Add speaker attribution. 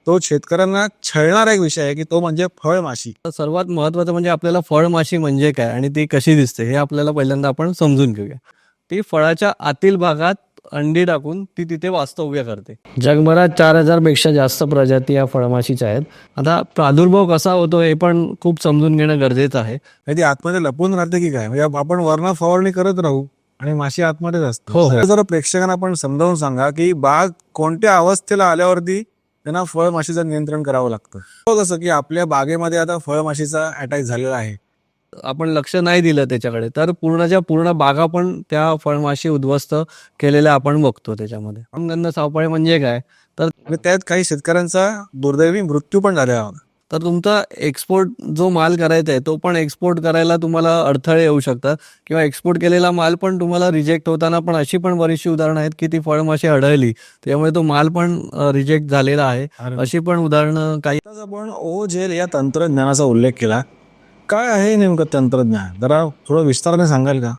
Speaker 1: तो शेतकऱ्यांना छळणारा एक विषय आहे की तो म्हणजे फळमाशी.
Speaker 2: सर्वात महत्त्वाचं म्हणजे आपल्याला फळमाशी म्हणजे काय आणि ती कशी दिसते हे आपल्याला पहिल्यांदा आपण समजून घेऊया. ती फळाच्या आतील भागात अंडी टाकून ती तिथे वास्तव्य करते. जगभरात 4,000 पेक्षा जास्त प्रजाती या फळमाशीच्या आहेत. आता प्रादुर्भाव कसा होतो हे पण खूप समजून घेणं गरजेचं आहे.
Speaker 1: नाही ती आतमध्ये लपून राहते की काय, म्हणजे आपण वर्ण फवारणी करत राहू आणि माशी आतमध्येच असते.
Speaker 2: हो, हो.
Speaker 1: जरा प्रेक्षकांना आपण समजावून सांगा की बाग कोणत्या अवस्थेला आल्यावरती त्यांना फळमाशीचं नियंत्रण करावं लागतं. कसं की आपल्या बागेमध्ये आता फळमाशीचा अटॅक झालेला आहे,
Speaker 2: आपण लक्ष नाही दिलं त्याच्याकडे तर पूर्णच्या पूर्ण बागा पण त्या फळमाशी उद्ध्वस्त केलेल्या आपण बघतो त्याच्यामध्ये. अंगण सापळे म्हणजे काय तर
Speaker 1: आणि त्यात काही शेतकऱ्यांचा दुर्दैवी मृत्यू पण झालेला होता.
Speaker 2: तर तुमचा एक्सपोर्ट जो माल करायचा आहे तो पण एक्सपोर्ट करायला तुम्हाला अडथळे येऊ शकतात किंवा एक्सपोर्ट केलेला माल पण तुम्हाला रिजेक्ट होताना पण अशी पण बरीचशी उदाहरणं आहेत की ती फळमाशी आढळली त्यामुळे तो माल पण रिजेक्ट झालेला आहे. अशी पण उदाहरणं काही.
Speaker 1: आताच आपण ओझेल या तंत्रज्ञानाचा उल्लेख केला. काय आहे नेमकं तंत्रज्ञान, जरा थोडं विस्ताराने सांगाल का?